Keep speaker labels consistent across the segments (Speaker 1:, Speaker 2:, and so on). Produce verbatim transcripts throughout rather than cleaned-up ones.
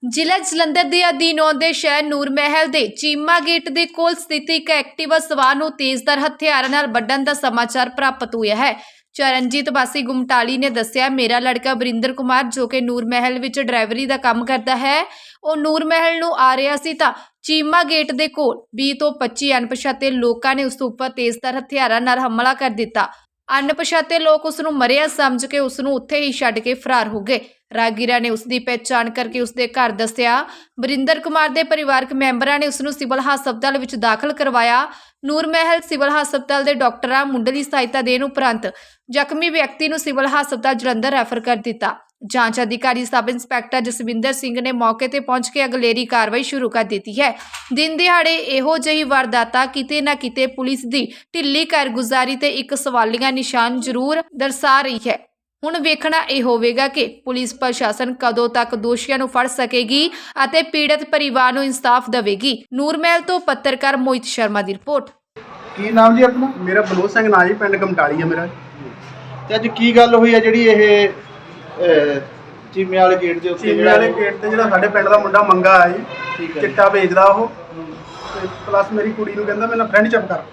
Speaker 1: ਜ਼ਿਲ੍ਹਾ ਜਲੰਧਰ ਦੇ ਅਧੀਨ ਆਉਂਦੇ ਸ਼ਹਿਰ ਨੂਰ ਮਹਿਲ ਦੇ ਚੀਮਾ ਗੇਟ ਦੇ ਕੋਲ ਸਥਿਤ ਇੱਕ ਐਕਟਿਵਾ ਸਵਾਰ ਨੂੰ ਤੇਜ਼ਧਾਰ ਹਥਿਆਰਾਂ ਨਾਲ ਵੱਢਣ ਦਾ ਸਮਾਚਾਰ ਪ੍ਰਾਪਤ ਹੋਇਆ ਹੈ। ਚਰਨਜੀਤ ਵਾਸੀ ਗੁਮਟਾਲੀ ਨੇ ਦੱਸਿਆ, ਮੇਰਾ ਲੜਕਾ ਵਰਿੰਦਰ ਕੁਮਾਰ ਜੋ ਕਿ ਨੂਰ ਮਹਿਲ ਵਿੱਚ ਡਰਾਈਵਰੀ ਦਾ ਕੰਮ ਕਰਦਾ ਹੈ, ਉਹ ਨੂਰ ਮਹਿਲ ਨੂੰ ਆ ਰਿਹਾ ਸੀ ਤਾਂ ਚੀਮਾ ਗੇਟ ਦੇ ਕੋਲ ਵੀਹ ਤੋਂ ਪੱਚੀ ਅਣਪਛਾਤੇ ਲੋਕਾਂ ਨੇ ਉਸ ਉੱਪਰ ਤੇਜ਼ਧਾਰ ਹਥਿਆਰਾਂ ਨਾਲ ਹਮਲਾ ਕਰ ਦਿੱਤਾ। ਅਣਪਛਾਤੇ ਲੋਕ ਉਸ ਨੂੰ ਮਰਿਆ ਸਮਝ ਕੇ ਉਸ ਨੂੰ ਉੱਥੇ ਹੀ ਛੱਡ ਕੇ ਫਰਾਰ ਹੋ ਗਏ। ਰਾਗੀਰਾ ਨੇ ਉਸ ਦੀ ਪਹਿਚਾਣ ਕਰਕੇ ਉਸ ਦੇ ਘਰ ਦੱਸਿਆ। ਵਰਿੰਦਰ ਕੁਮਾਰ ਦੇ ਪਰਿਵਾਰਕ ਮੈਂਬਰਾਂ ਨੇ ਉਸ ਨੂੰ ਸਿਵਲ ਹਸਪਤਾਲ ਵਿੱਚ ਦਾਖਲ ਕਰਵਾਇਆ। ਨੂਰ ਮਹਿਲ ਸਿਵਲ ਹਸਪਤਾਲ ਦੇ ਡਾਕਟਰਾਂ ਮੁੱਢਲੀ ਸਹਾਇਤਾ ਦੇਣ ਉਪਰੰਤ ਜ਼ਖਮੀ ਵਿਅਕਤੀ ਨੂੰ ਸਿਵਲ ਹਸਪਤਾਲ ਜਲੰਧਰ ਰੈਫਰ ਕਰ ਦਿੱਤਾ। ਜਾਂਚ ਅਧਿਕਾਰੀ ਸਬ ਇੰਸਪੈਕਟਰ ਜਸਵਿੰਦਰ ਸਿੰਘ ਨੇ ਮੌਕੇ ਤੇ ਪਹੁੰਚ ਕੇ ਅਗਲੇਰੀ ਕਾਰਵਾਈ ਸ਼ੁਰੂ ਕਰ ਦਿੱਤੀ ਹੈ। ਦਿਨ ਦਿਹਾੜੇ ਇਹੋ ਜਿਹੀ ਵਾਰਦਾਤਾਂ ਕਿਤੇ ਨਾ ਕਿਤੇ ਪੁਲਿਸ ਦੀ ਢਿੱਲੀ ਕਾਰਗੁਜ਼ਾਰੀ ਤੇ ਇੱਕ ਸਵਾਲੀਆ ਨਿਸ਼ਾਨ ਜ਼ਰੂਰ ਦਰਸਾ ਰਹੀ ਹੈ। ਹੁਣ ਵੇਖਣਾ ਇਹ ਹੋਵੇਗਾ ਕਿ ਪੁਲਿਸ ਪ੍ਰਸ਼ਾਸਨ ਕਦੋਂ ਤੱਕ ਦੋਸ਼ੀਆਂ ਨੂੰ ਫੜ ਸਕੇਗੀ ਅਤੇ ਪੀੜਤ ਪਰਿਵਾਰ ਨੂੰ ਇਨਸਾਫ ਦੇਵੇਗੀ। ਨੂਰ ਮਹਿਲ ਤੋਂ ਪੱਤਰਕਾਰ ਮੋਹਿਤ ਸ਼ਰਮਾ ਦੀ ਰਿਪੋਰਟ।
Speaker 2: ਕੀ ਨਾਮ ਜੀ ਆਪਣਾ?
Speaker 3: ਮੇਰਾ ਬਲੋ ਸਿੰਘ ਨਾਂ ਜੀ, ਪਿੰਡ ਗਮਟਾਲੀ ਹੈ ਮੇਰਾ।
Speaker 2: ਤੇ ਅੱਜ ਕੀ ਗੱਲ ਹੋਈ ਹੈ ਜਿਹੜੀ ਇਹ ਅਹ, ਚੀਮੇ ਵਾਲੇ ਗੇਟ ਦੇ ਉੱਤੇ
Speaker 3: ਚੀਮੇ ਵਾਲੇ ਗੇਟ ਤੇ ਜਿਹੜਾ ਸਾਡੇ ਪਿੰਡ ਦਾ ਮੁੰਡਾ ਮੰਗਾ ਆਇਆ ਜੀ,
Speaker 2: ਠੀਕ ਹੈ,
Speaker 3: ਚਿੱਟਾ ਵੇਚਦਾ ਉਹ, ਤੇ ਪਲੱਸ ਮੇਰੀ ਕੁੜੀ ਨੂੰ ਕਹਿੰਦਾ ਮੇਰਾ ਫਰੈਂਡਸ਼ਿਪ ਕਰ।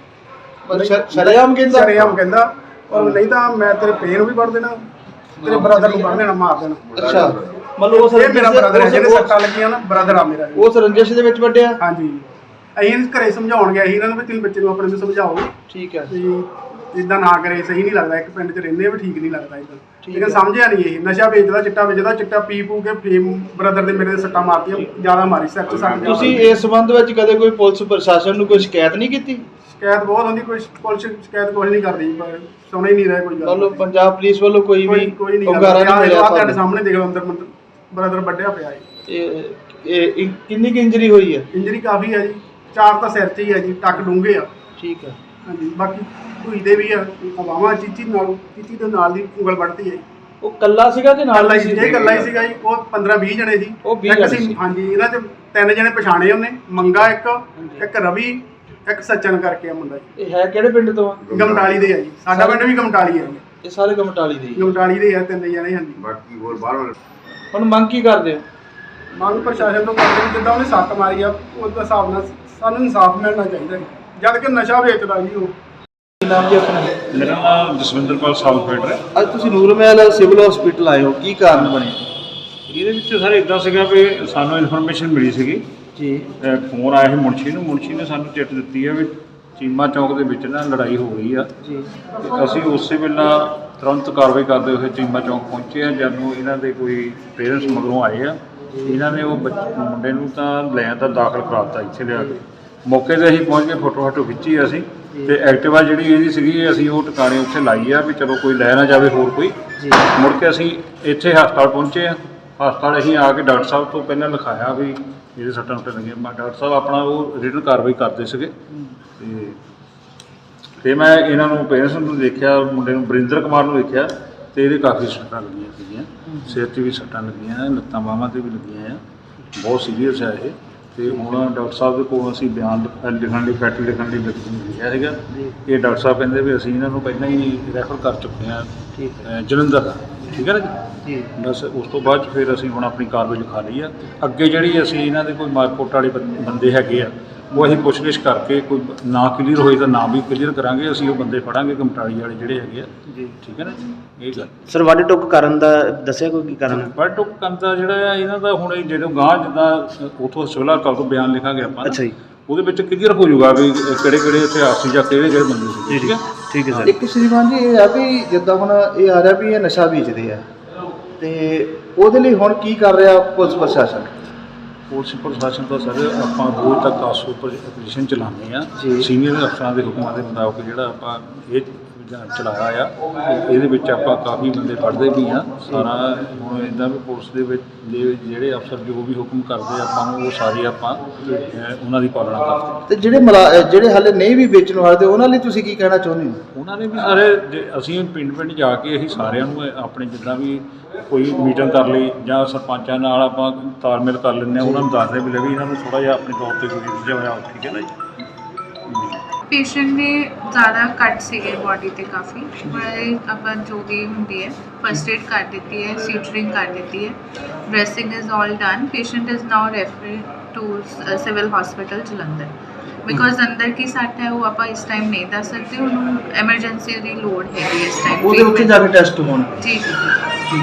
Speaker 2: ਮਤਲਬ ਸ਼ਰੇਆਮ ਕਹਿੰਦਾ
Speaker 3: ਸ਼ਰੇਆਮ ਕਹਿੰਦਾ, ਔਰ ਨਹੀਂ ਤਾਂ ਮੈਂ ਤੇਰੇ ਪੇ ਨੂੰ ਵੀ ਵੜ ਦੇਣਾ, ਤੇਰੇ ਬ੍ਰਦਰ ਨੂੰ ਵੜ ਦੇਣਾ, ਮਾਰ ਦੇਣਾ।
Speaker 2: ਅੱਛਾ, ਮਤਲਬ ਉਸ
Speaker 3: ਇਹ ਮੇਰਾ ਬ੍ਰਦਰ ਹੈ, ਜਿਹਨੇ
Speaker 2: ਉਸ-
Speaker 3: ਸੱਟਾਂ ਲੱਗੀਆਂ ਨਾ, ਬ੍ਰਦਰ ਆ ਮੇਰਾ।
Speaker 2: ਉਸ ਰੰਜਿਸ਼ ਦੇ ਵਿੱਚ ਵੱਡਿਆ?
Speaker 3: ਹਾਂਜੀ, ਅਸੀਂ ਘਰੇ ਸਮਝਾਉਣ ਗਏ ਸੀ ਇਹਨਾਂ ਨੂੰ ਵੀ ਤੁਸੀਂ ਬੱਚੇ ਨੂੰ ਆਪਣੇ ਨੂੰ ਸਮਝਾਓ
Speaker 2: ਠੀਕ ਹੈ,
Speaker 3: ਵੀ ਇਦਾਂ ਨਾ ਕਰੇ, ਸਹੀ ਨਹੀਂ ਲੱਗਦਾ, ਇੱਕ ਪਿੰਡ 'ਚ ਰਹਿੰਦੇ ਵੀ ਠੀਕ ਨਹੀਂ ਲੱਗਦਾ ਇਦਾਂ।
Speaker 2: ਠੀਕ
Speaker 3: ਲੇਕਿਨ
Speaker 2: ਹੈ।
Speaker 3: ਸਮਝਿਆ ਨਹੀਂ, ਇਹ ਨਸ਼ਾ ਵੇਚਦਾ, ਚਿੱਟਾ ਵੇਚਦਾ, ਚਿੱਟਾ ਪੀ ਪੂ ਕੇ ਫੇਮ ਬ੍ਰਦਰ ਦੇ ਮੇਰੇ ਦੇ ਸੱਟਾਂ ਮਾਰਤੀਆਂ, ਜ਼ਿਆਦਾ ਮਾਰੀ, ਸਿਰ 'ਚ ਸੱਟ।
Speaker 2: ਤੁਸੀਂ ਇਸ ਸੰਬੰਧ ਵਿੱਚ ਕਦੇ ਕੋਈ ਪੁਲਿਸ ਪ੍ਰਸ਼ਾਸਨ ਨੂੰ ਕੋਈ ਸ਼ਿਕਾਇਤ ਨਹੀਂ ਕੀਤੀ?
Speaker 3: ਸ਼ਿਕਾਇਤ ਬਹੁਤ ਹੁੰਦੀ, ਕੋਈ ਪੁਲਿਸ ਸ਼ਿਕਾਇਤ ਕੁਛ ਨਹੀਂ ਕਰਦੀ, ਪਰ ਸੁਣ ਹੀ ਨਹੀਂ ਰਿਹਾ ਕੋਈ ਗੱਲ।
Speaker 2: ਮਤਲਬ ਪੰਜਾਬ ਪੁਲਿਸ ਵੱਲੋਂ ਕੋਈ ਵੀ
Speaker 3: ਕੋਈ ਨਹੀਂ
Speaker 2: ਉਗਾਰਾ ਨਹੀਂ ਮਿਲਿਆ
Speaker 3: ਤੁਹਾਡੇ
Speaker 2: ਤੁਹਾਨੂੰ?
Speaker 3: ਸਾਹਮਣੇ ਦੇਖ ਲਓ, ਅੰਦਰ ਬ੍ਰਦਰ ਵੱਢਿਆ ਪਿਆ ਹੈ।
Speaker 2: ਇਹ ਇਹ ਇ- ਕਿੰਨੀ ਕੁ ਇੰਜਰੀ ਹੋਈ ਹੈ?
Speaker 3: ਇੰਜਰੀ ਕਾਫੀ ਹੈ ਜੀ, ਚਾਰ ਤਾਂ ਸਿਰ 'ਚ ਹੀ ਹੈ ਜੀ, ਟੱਕ ਡੂੰਘੇ ਆ।
Speaker 2: ਠੀਕ ਹੈ,
Speaker 3: ਹਾਂਜੀ, ਬਾਕੀ ਧੂਈ ਦੇ ਵੀ ਆ, ਹਵਾਵਾਂ ਚੀਚੀ ਨਾਲ, ਚੀਚੀ ਦੇ ਨਾਲ ਦੀ ਉਂਗਲ ਵੱਢਦੀ ਹੈ।
Speaker 2: ਉਹ ਕੱਲਾ ਸੀਗਾ ਤੇ ਨਾਲ
Speaker 3: ਕੱਲਾ ਹੀ ਸੀ, ਇਹ ਕੱਲਾ ਹੀ ਸੀਗਾ ਜੀ। ਉਹ ਪੰਦਰਾਂ ਵੀਹ ਜਣੇ ਸੀ।
Speaker 2: ਉਹ ਵੀਹ
Speaker 3: ਇੱਕ
Speaker 2: ਜਣੇ
Speaker 3: ਸੀ,
Speaker 2: ਸੀ।
Speaker 3: ਹਾਂਜੀ, ਇਹਨਾਂ 'ਚ ਤਿੰਨ ਜਣੇ ਪਛਾਣੇ ਉਹਨੇ, ਮੰਗਾ ਇੱਕ, ਇੱਕ ਰਵੀ, ਇੱਕ ਸੱਚਨ ਕਰਕੇ ਆ ਮੁੰਡਾ ਜੀ।
Speaker 2: ਇਹ ਹੈ ਕਿਹੜੇ ਪਿੰਡ ਤੋਂ ਆ?
Speaker 3: ਗਮਟਾਲੀ ਦੇ ਆ ਜੀ, ਸਾਡਾ ਪਿੰਡ ਵੀ ਗਮਟਾਲੀ ਹੈ ਜੀ।
Speaker 2: ਇਹ ਸਾਰੇ ਗਮਟਾਲੀ ਦੇ ਹੀ।
Speaker 3: ਗਮਟਾਲੀ ਦੇ ਆ ਤਿੰਨ ਜਣੇ। ਹਾਂਜੀ,
Speaker 4: ਬਾਕੀ ਹੋਰ ਬਾਹਰ
Speaker 2: ਹੁਣ ਮੰਗ ਕੀ ਕਰਦੇ ਹੋ?
Speaker 3: ਮੰਗ ਪ੍ਰਸ਼ਾਸਨ ਤੋਂ ਕਰਦੇ ਜਿੱਦਾਂ ਉਹਨੇ ਸੱਟ ਮਾਰੀ ਆ, ਉਸ ਹਿਸਾਬ ਨਾਲ ਸਾਨੂੰ ਇਨਸਾਫ ਮਿਲਣਾ ਚਾਹੀਦਾ ਜੀ, ਜਦ ਕਿ ਨਸ਼ਾ ਵੇਚਦਾ ਜੀ ਉਹ।
Speaker 2: ਕੀ ਨਾਮ ਜੀ ਆਪਣਾ?
Speaker 5: ਮੇਰਾ ਨਾਮ ਜਸਵਿੰਦਰ ਪਾਲ ਸਾਬ ਫੀਡਰ ਹੈ।
Speaker 2: ਅੱਜ ਤੁਸੀਂ ਨੂਰ ਮਹਿਲ ਸਿਵਲ ਹਸਪੀਟਲ ਆਏ ਹੋ, ਕੀ ਕਾਰਨ ਬਣੇ?
Speaker 5: ਇਹਦੇ ਵਿੱਚ ਸਰ ਇਦਾਂ ਸੀਗਾ ਵੀ ਸਾਨੂੰ ਇਨਫੋਰਮੇਸ਼ਨ ਮਿਲੀ ਸੀਗੀ,
Speaker 2: ਜੀ,
Speaker 5: ਫੋਨ ਆਇਆ ਸੀ ਮੁਨਸ਼ੀ ਨੂੰ। ਮੁਨਸ਼ੀ ਨੇ ਸਾਨੂੰ ਚਿੱਠ ਦਿੱਤੀ ਹੈ ਵੀ ਚੀਮਾ ਚੌਂਕ ਦੇ ਵਿੱਚ ਨਾ ਲੜਾਈ ਹੋ ਗਈ ਆ।
Speaker 2: ਜੀ,
Speaker 5: ਤੇ ਅਸੀਂ ਉਸੇ ਵੇਲੇ ਤੁਰੰਤ ਕਾਰਵਾਈ ਕਰਦੇ ਹੋਏ ਚੀਮਾ ਚੌਂਕ ਪਹੁੰਚੇ ਆ। ਜਦ ਨੂੰ ਇਹਨਾਂ ਦੇ ਕੋਈ ਪੇਰੈਂਟਸ ਮਗਰੋਂ ਆਏ ਆ, ਇਹਨਾਂ ਨੇ ਉਹ ਬੱਚ- ਮੁੰਡੇ ਨੂੰ ਤਾਂ ਲੈ ਤਾਂ ਦਾਖਲ ਕਰਾਤਾ ਇੱਥੇ ਲਿਆ ਕੇ। ਮੌਕੇ 'ਤੇ ਅਸੀਂ ਪਹੁੰਚ ਕੇ ਫੋਟੋ ਫੋਟੋ ਖਿੱਚੀ ਅਸੀਂ, ਤੇ ਐਕਟਿਵਾ ਜਿਹੜੀ ਇਹਦੀ ਸੀਗੀ ਅਸੀਂ ਉਹ ਟਿਕਾਣੇ ਉੱਥੇ ਲਾਈ ਆ ਵੀ ਚਲੋ ਕੋਈ ਲੈ ਨਾ ਜਾਵੇ ਹੋਰ ਕੋਈ।
Speaker 2: ਜੀ,
Speaker 5: ਮੁੜ ਕੇ ਅਸੀਂ ਇੱਥੇ ਹਸਪਤਾਲ ਪਹੁੰਚੇ ਆ। ਹਸਪਤਾਲ ਅਸੀਂ ਆ ਕੇ ਡਾਕਟਰ ਸਾਹਿਬ ਤੋਂ ਪਹਿਲਾਂ ਲਿਖਾਇਆ ਵੀ ਇਹਦੇ ਸੱਟਾਂ ਸੁੱਟਾਂ ਲੱਗੀਆਂ। ਮੈਂ ਡਾਕਟਰ ਸਾਹਿਬ ਆਪਣਾ ਉਹ ਰਿਟਨ ਕਾਰਵਾਈ ਕਰਦੇ ਸੀਗੇ। ਤੇ ਤੇ ਮੈਂ ਇਹਨਾਂ ਨੂੰ ਪੇਰੈਂਟਸ ਨੂੰ ਦੇਖਿਆ, ਮੁੰਡੇ ਨੂੰ ਵਰਿੰਦਰ ਕੁਮਾਰ ਨੂੰ ਦੇਖਿਆ, ਤੇ ਇਹਦੇ ਕਾਫੀ ਸੱਟਾਂ ਲੱਗੀਆਂ ਸੀਗੀਆਂ, ਸਿਰ 'ਤੇ ਵੀ ਸੱਟਾਂ ਲੱਗੀਆਂ, ਲੱਤਾਂ ਬਾਹਾਂ 'ਤੇ ਵੀ ਲੱਗੀਆਂ ਆ, ਬਹੁਤ ਸੀਰੀਅਸ ਹੈ ਇਹ। ਤੇ ਹੁਣ ਡਾਕਟਰ ਸਾਹਿਬ ਦੇ ਕੋਲ ਅਸੀਂ ਬਿਆਨ ਲਿਖ- ਲਿਖਣ ਲਈ ਫੈਟ ਲਿਖਣ ਲਈ ਲਿਖਿਆ ਸੀਗਾ। ਇਹ ਡਾਕਟਰ ਸਾਹਿਬ ਕਹਿੰਦੇ ਵੀ ਅਸੀਂ ਇਹਨਾਂ ਨੂੰ ਪਹਿਲਾਂ ਹੀ ਰੈਫਰ ਕਰ ਚੁੱਕੇ ਹਾਂ
Speaker 2: ਠੀਕ ਹੈ,
Speaker 5: ਅ, ਜਲੰਧਰ, ਠੀਕ ਹੈ ਨਾ ਜੀ।
Speaker 2: ਜੀ,
Speaker 5: ਬਸ ਉਸ ਤੋਂ ਬਾਅਦ 'ਚ ਫਿਰ ਅਸੀਂ ਹੁਣ ਆਪਣੀ ਕਾਰਵਾਈ ਲਿਖਾ ਲਈ ਆ। ਅੱਗੇ ਜਿਹੜੀ ਅਸੀਂ ਇਹਨਾਂ ਦੇ ਕੋਈ ਮਾਰਕੋਟ ਵਾਲੇ ਬੰ- ਬੰਦੇ ਹੈਗੇ ਆ, ਉਹ ਅਸੀਂ ਪੁੱਛਗਿੱਛ ਕਰਕੇ ਕੋਈ ਨਾ ਕਲੀਅਰ ਹੋਈ ਤਾਂ ਨਾ ਵੀ ਕਲੀਅਰ ਕਰਾਂਗੇ। ਅਸੀਂ ਉਹ ਬੰਦੇ ਫੜਾਂਗੇ ਗਮਟਾਲੀ ਵਾਲੇ ਜਿਹੜੇ ਹੈਗੇ ਆ,
Speaker 2: ਜੀ।
Speaker 5: ਠੀਕ ਹੈ ਨਾ ਜੀ। ਇਹ ਗੱਲ
Speaker 6: ਸਰ ਵੱਢ ਟੁੱਕ ਕਰਨ ਦਾ ਦੱਸਿਆ ਕੋਈ ਕੀ ਕਾਰਨ?
Speaker 5: ਪਰ ਟੁੱਕ ਕਰਨ ਦਾ ਜਿਹੜਾ ਆ ਇਹਨਾਂ ਦਾ ਹੁਣ ਇਹ ਜਦੋਂ ਗਾਂ ਜਿੱਦਾਂ ਉਥੋਂ ਸਿਵਲ ਹਸਪਤਾਲ ਤੋਂ ਬਿਆਨ ਲਿਖਾਂਗੇ ਆਪਾਂ ਨਾ,
Speaker 6: ਅੱਛਾ ਜੀ,
Speaker 5: ਉਹਦੇ ਵਿੱਚ ਕਲੀਅਰ ਹੋ ਜਾਊਗਾ ਵੀ ਕਿਹੜੇ ਕਿਹੜੇ ਇਤਿਹਾਸ ਸੀ ਜਾਂ ਕਿਹੜੇ ਕਿਹੜੇ ਬੰਦੇ ਸੀ। ਠੀਕ ਹੈ,
Speaker 6: ਠੀਕ ਹੈ ਸਰ।
Speaker 2: ਇੱਕ ਸ਼੍ਰੀਮਾਨ ਜੀ ਇਹ ਆ ਵੀ ਜਿੱਦਾਂ ਹੁਣ ਇਹ ਆ ਰਿਹਾ ਵੀ ਇਹ ਨਸ਼ਾ ਵੇਚਦੇ ਆ, ਤੇ ਉਹਦੇ ਲਈ ਹੁਣ ਕੀ ਕਰ ਰਿਹਾ ਪੁਲਿਸ ਪ੍ਰਸ਼ਾਸਨ?
Speaker 5: ਪੁਲਿਸ ਪ੍ਰਸ਼ਾਸਨ ਤਾਂ ਸਰ ਆਪਾਂ ਰੋਜ਼ ਤੱਕ ਕਾਸੋ ਉੱਪਰ ਐਪਲੀਕੇਸ਼ਨ ਚਲਾਉਂਦੇ ਆ।
Speaker 2: ਜੀ।
Speaker 5: ਸੀਨੀਅਰ ਅਫਸਰਾਂ ਦੇ ਹੁਕਮਾਂ ਦੇ ਮੁਤਾਬਕ ਜਿਹੜਾ ਆਪਾਂ ਇਹ ਚਲਾਇਆ ਆ, ਇਹਦੇ ਵਿੱਚ ਆਪਾਂ ਕਾਫੀ ਬੰਦੇ ਫੜਦੇ ਵੀ ਆ। ਸਾਰਾ ਹੁਣ ਇੱਦਾਂ ਵੀ ਪੁਲਿਸ ਦੇ ਵਿੱਚ ਦੇ ਜਿਹੜੇ ਅਫਸਰ ਜੋ ਵੀ ਹੁਕਮ ਕਰਦੇ ਆਪਾਂ ਨੂੰ, ਉਹ ਸਾਰੇ ਆਪਾਂ ਅਹ, ਉਹਨਾਂ ਦੀ ਪਾਲਣਾ ਕਰਦੇ।
Speaker 2: ਤੇ ਜਿਹੜੇ ਮਲਾ ਜਿਹੜੇ ਹਾਲੇ ਨਹੀਂ ਵੀ ਵੇਚਣ ਵਾਲੇ ਉਹਨਾਂ ਲਈ ਤੁਸੀਂ ਕੀ ਕਹਿਣਾ ਚਾਹੁੰਦੇ ਹੋ?
Speaker 5: ਉਹਨਾਂ ਨੇ ਵੀ ਸਾਰੇ ਜੇ ਅਸੀਂ ਪਿੰਡ ਪਿੰਡ ਜਾ ਕੇ ਅਸੀਂ ਸਾਰਿਆਂ ਨੂੰ ਆਪਣੇ ਜਿੱਦਾਂ ਵੀ ਕੋਈ ਮੀਟਿੰਗ ਕਰ ਲਈ ਜਾਂ ਸਰਪੰਚਾਂ ਨਾਲ ਆਪਾਂ ਤਾਲਮੇਲ ਕਰ ਲੈਂਦੇ ਹਾਂ, ਉਹਨਾਂ ਨੂੰ ਦੱਸਦੇ ਵੀ ਲੈ ਵੀ ਇਹਨਾਂ ਨੂੰ ਥੋੜ੍ਹਾ ਜਿਹਾ ਆਪਣੇ ਤੌਰ 'ਤੇ ਕੋਈ ਜਿਹਾ ਹੋਇਆ, ਠੀਕ ਹੈ ਨਾ ਜੀ।
Speaker 4: ਪੇਸ਼ੈਂਟ ਦੇ ਜ਼ਿਆਦਾ ਕੱਟ ਸੀਗੇ ਬਾਡੀ ਤੇ ਕਾਫੀ, ਪਰ ਆਪਾਂ ਜੋ ਵੀ ਹੁੰਦੀ ਹੈ ਫਸਟ ਏਡ ਕਰ ਦਿੱਤੀ ਹੈ, ਸੀਟਰਿੰਗ ਕਰ ਦਿੱਤੀ ਹੈ, dressing is all done. Patient is now referred to civil hospital Jalandhar. Because ਅੰਦਰ ਕੀ ਸੱਟ ਹੈ ਉਹ ਆਪਾਂ ਇਸ ਟਾਈਮ ਨਹੀਂ ਦੱਸ ਸਕਦੇ, ਉਹਨੂੰ ਐਮਰਜੈਂਸੀ ਦੀ ਲੋੜ ਹੈਗੀ ਇਸ ਟਾਈਮ।
Speaker 2: ਉਹਦੇ ਉੱਥੇ ਜਾ ਕੇ ਟੈਸਟ ਹੋਣ।
Speaker 4: ਜੀ ਜੀ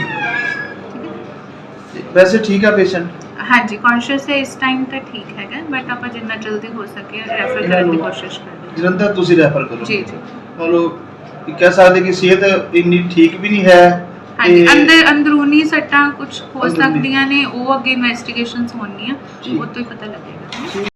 Speaker 2: ਤੇ ਵੈਸੇ ਠੀਕ ਆ ਪੇਸ਼ੈਂਟ?
Speaker 4: ਹਾਂਜੀ, ਕੌਨਸ਼ੀਅਸ ਹੈ ਇਸ ਟਾਈਮ ਤਾਂ ਠੀਕ ਹੈਗਾ, ਬਟ ਆਪਾਂ ਜਿੰਨਾ ਜਲਦੀ ਹੋ ਸਕੇ ਰੈਫਰ ਕਰਨ ਦੀ ਕੋਸ਼ਿਸ਼ ਕਰਾਂਗੇ।
Speaker 2: ਜਲੰਧਰ ਤੁਸੀਂ ਰੈਫਰ ਕਰੋ?
Speaker 4: ਜੀ ਜੀ
Speaker 2: ਮਤਲਬ ਇਹ ਕਹਿ ਸਕਦੇ ਕਿ ਸਿਹਤ ਇੰਨੀ ਠੀਕ ਵੀ ਨਹੀਂ ਹੈ।
Speaker 4: ਹਾਂਜੀ,
Speaker 2: ਤੇ
Speaker 4: ਅੰਦਰ ਅੰਦਰੂਨੀ ਸੱਟਾਂ ਕੁਝ ਹੋ
Speaker 2: ਅੰਦਰੂਨੀ।
Speaker 4: ਸਕਦੀਆਂ ਨੇ, ਉਹ ਅੱਗੇ ਇਨਵੈਸਟੀਗੇਸ਼ਨਸ ਹੋਣਗੀਆਂ,
Speaker 2: ਜੀ।
Speaker 4: ਉਹ ਤੋਂ ਹੀ ਪਤਾ ਲੱਗੇਗਾ।